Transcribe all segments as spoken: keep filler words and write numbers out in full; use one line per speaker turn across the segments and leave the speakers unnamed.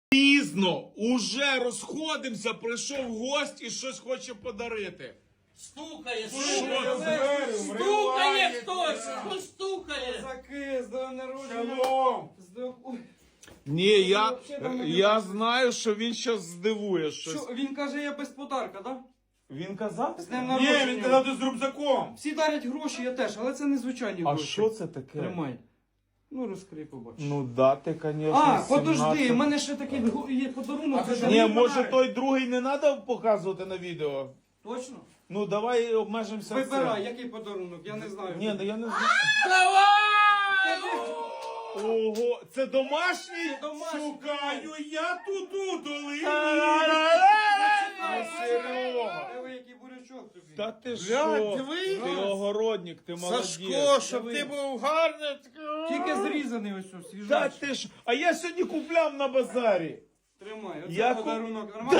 Пізно, уже розходимося, прийшов гость і щось хоче подарити.
Стукає,
Що
стукає,
це?
стукає хтось, хтось стукає.
Козаки, з днем народження.
Шалом!
З днем- Ой,
Ні, я,
Вообще там не
я
бачу.
знаю, що він щас здивує
Що,
щось.
він каже, я без подарка, да?
Він казав?
З днем
Ні,
народження.
він казав, ти з рюкзаком.
Всі дарять гроші, я теж, але це не звичайні
А
гроші.
що це таке?
Тримай. Ну, розкрий, побачиш.
Ну да, ти, конечно,
а, подожди,
сімнадцять.
в мене ще такий го- є подарунок.
А це
Це
Ні,
Ні,
може
давай.
той другий не треба показувати на відео?
Точно?
Ну давай обмежимося
Вибирай,
цим.
який подарунок, я не знаю.
Ні, ну я не знаю.
Давай!
Ого, це домашній?
Домашній.
Шукаю я туду долині.
Ну, Серега.
Диви, який бурячок тобі.
Та ти
Блядь,
що?
диви.
Ти огородник, ти молодець.
Сашко, щоб
Диви.
ти був гарний.
Тільки зрізаний ось ось,
Та
свіжачий.
ти ж, а я сьогодні купляв на базарі.
Тримай, оце
Я ку-
подарунок. Нормально?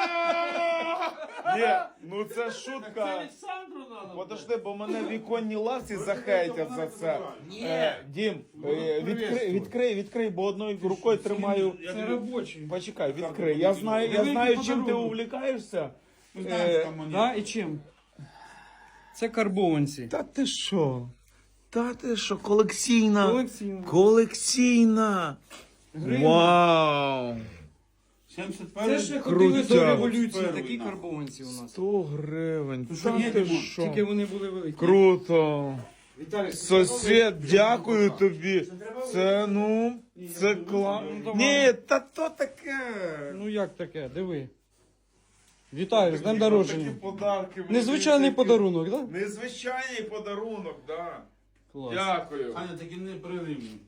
Ні, ну це
Це
шутка.
Олександру надо.
Подожди, бо мене віконні лавці захейтять за це.
Ні.
Е, Дім, е, відкрий, відкрий, відкрий, бо одною рукою тримаю.
Це робочий.
Почекай, відкрий. Я знаю, я
Великий
знаю, чим ти
подарунок.
увлікаєшся.
Ми знаємо, що
Е,
там монети.
Да, і чим? Це карбованці.
Та ти що? Та ти що, колекційна?
Колекційно.
Колекційна.
Гривня.
Вау!
сімдесят
Це
перший.
ще ходили до
Крутяк.
революції,
Перший,
такі
нахуй.
карбованці у нас.
сто гривень.
що,
Та
ні,
ти
Дімон?
що?
Тільки вони були великі.
Круто.
Віталій,
Сосед, дякую тобі. Це, ну, це клас. Ні, та то таке.
Ну як таке, диви. Вітаю, з днем
Такі
народження.
подарки. мені
Незвичайний
такі-
подарунок, так? Да?
Незвичайний подарунок, да.
Клас.
Дякую.
Аня, таки не при Римі.